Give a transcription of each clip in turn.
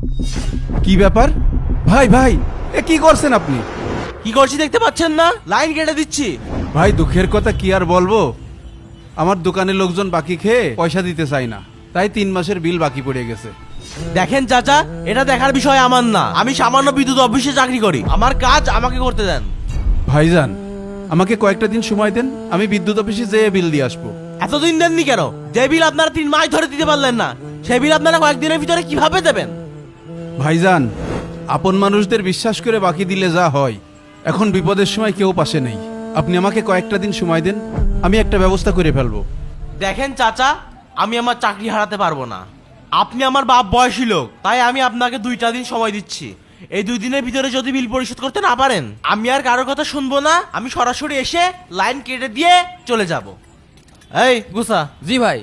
কি ব্যাপার? ভাই ভাই, এ কি করছেন আপনি? কি করছি দেখতে পাচ্ছেন না? লাইন কেটে দিচ্ছি। ভাই দুঃখের কথা কি আর বলবো, আমার দোকানের লোকজন বাকি খেয়ে পয়সা দিতে চায় না, তাই 3 মাসের বিল বাকি পড়ে গেছে। দেখেন চাচা, এটা দেখার বিষয় আমার না। আমি সামান্য বিদ্যুৎ অফিসে চাকরি করি, আমার কাজ আমাকে করতে দেন। ভাইজান, আমাকে কয়েকটা দিন সময় দেন, আমি বিদ্যুৎ অফিসে যেয়ে বিল দিয়ে আসবো। এতদিন দেননি কেন? যে বিল আপনারা 3 মাস ধরে দিতে পারলেন না, সেই বিল আপনারা কয়েকদিনের ভিতরে কিভাবে দেবেন? ভাইজান, আপন মানুষদের বিশ্বাস করে বাকি দিলে যা হয়, এখন বিপদের সময় কেউ পাশে নেই। আপনি আমাকে কয়েকটা দিন সময় দেন, আমি একটা ব্যবস্থা করে ফেলবো। দেখেন চাচা, আমি আমার চাকরি হারাতে পারবো না। আপনি আমার বাপ বয়সী লোক, তাই আমি আপনাকে 2টা দিন সময় দিচ্ছি। এই 2 দিনের ভিতরে যদি বিল পরিশোধ করতে না পারেন, আমি আর কারোর কথা শুনবো না। আমি সরাসরি এসে লাইন কেটে দিয়ে চলে যাব। এই গুসা। জি ভাই।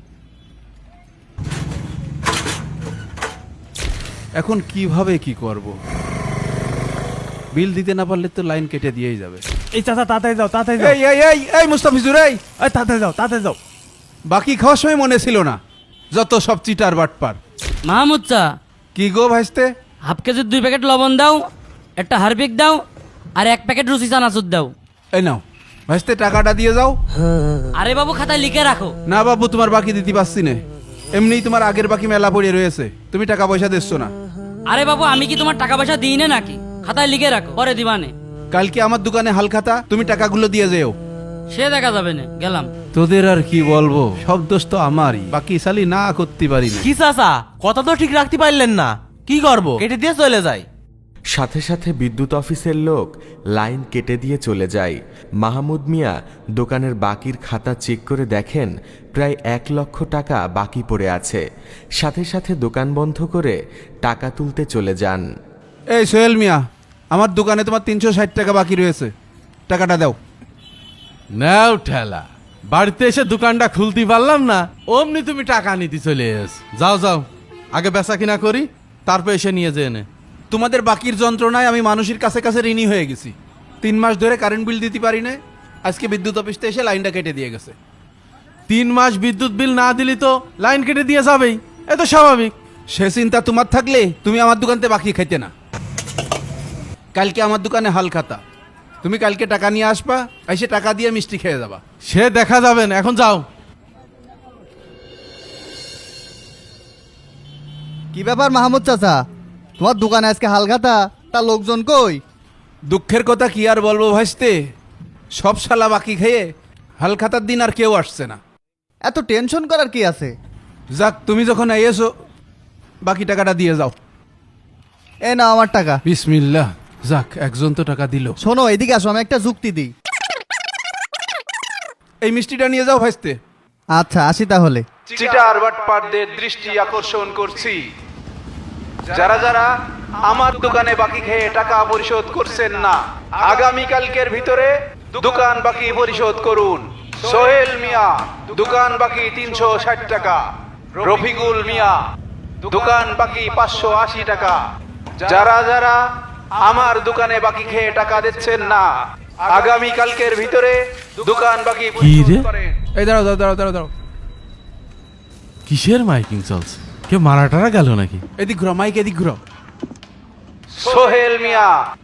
এখন কিভাবে কি করব? বিল দিতে না পারলে তো লাইন কেটে দিয়েই যাবে। এই চাচা তাড়াতাড়ি যাও, তাড়াতাড়ি যাও। এই এই এই এই মুস্তাফিজুর, এই এই তাড়াতাড়ি যাও, তাড়াতাড়ি যাও। বাকি খাওয়ার সময় মনে ছিল না, যত সব চিটার বাটপার। মাহমুদ চা, কি গো ভাইস্তে? হাফ কেজির 2 প্যাকেট লবণ দাও, একটা হারপিক দাও, আর 1 প্যাকেট রুচি চানাচুর দাও। এই নাও ভাইস্তে, টাকাটা দিয়ে যাও। আরে বাবু, খাতায় লিখে রাখো। না বাবু, তোমার বাকি দিতে পারছি না, এমনিই তোমার আগের বাকি মেলা পড়ে রয়েছে, তুমি টাকা পয়সা দিচ্ছ না। আরে বাবু, আমি কি তোমার টাকা পয়সা দিই না নাকি? খাতায় লিখে রাখো, পরে দিবানে। কালকে আমার দোকানে হাল খাতা, তুমি টাকাগুলো দিয়ে যেও। সে দেখা যাবে না, গেলাম। তোদের আর কি বলবো, সব দোষ তো আমারই, বাকি সালি না করতে পারি না। কি চাচা, কথা তো ঠিক রাখতে পারলেন না। কি করবো? কেটে দিয়ে চলে যাই। সাথে সাথে বিদ্যুৎ অফিসের লোক লাইন কেটে দিয়ে চলে যায়। মাহমুদ মিয়া দোকানের বাকির খাতা চেক করে দেখেন প্রায় 1 লক্ষ টাকা বাকি পড়ে আছে। সাথে সাথে দোকান বন্ধ করে টাকা তুলতে চলে যান। এই সোহেল মিয়া, আমার দোকানে তোমার 360 টাকা বাকি রয়েছে, টাকাটা দাও। নাও ঠেলা, বাড়িতে এসে দোকানটা খুলতে পারলাম না, অমনি তুমি টাকা নিতে চলে এস। যাও যাও, আগে বেচা কিনা করি, তারপর এসে নিয়ে যেয়ে নে। তোমাদের বাকির যন্ত্রণায় আমি মানুষের কাছে কাছে ঋণী হয়ে গেছি। 3 মাস ধরে কারেন্ট বিল দিতে পারি না, আজকে বিদ্যুৎ অফিসতে এসে লাইনটা কেটে দিয়ে গেছে। 3 মাস বিদ্যুৎ বিল না দিলি তো লাইন কেটে দিয়ে যাবেই, এ তো স্বাভাবিক। সে চিন্তা তোমার থাকলে তুমি আমার দোকানতে বাকি খাইতে না। কালকে আমার দোকানে হাল খাতা, তুমি কালকে টাকা নিয়ে আসবা, এসে টাকা দিয়ে মিষ্টি খেয়ে যাবা। সে দেখা যাবে না, এখন যাও। কি ব্যাপার মাহমুদ চাচা, তোমার দোকানে আজকে হালখাতা, তা লোকজন কই? দুঃখের কথা কি আর বলবো ভাইস্তে, সব শালা বাকি খেয়ে হাল খাতার দিন আর কেউ আসছে না। এত টেনশন করার কি আছে? যাক, তুমি যখন এসো বাকি টাকাটা দিয়ে যাও। এ না আমার টাকা। বিসমিল্লাহ, যাক একজন তো টাকা দিল। শোনো, এদিকে আসো, আমি একটা যুক্তি দিই। এই মিষ্টিটা নিয়ে যাও ভাইস্তে। আচ্ছা, আসি তাহলে। চিটার বাটপারদের দৃষ্টি আকর্ষণ করছি, যারা যারা আমার দোকানে বাকি খেয়ে টাকা পরিশোধ করছেন না, আগামী কালকের ভিতরে দোকান বাকি পরিশোধ করুন। সোহেল মিয়া, দোকান বাকি 360 টাকা। রফিকুল মিয়া, দোকান বাকি 580 টাকা। যারা যারা আমার দোকানে বাকি খেয়ে টাকা দিচ্ছেন না, আগামী কালকের ভিতরে দোকান বাকি পরিশোধ রে? করেন। এই দাঁড়াও দাঁড়াও দাঁড়াও দাঁড়াও দাঁড়াও। কিসের মাইকিং চলছে? কেউ মারা টারা গেল নাকি? এদিক ঘুরো, মাইক এদিক ঘুরো। সোহেল মিয়া,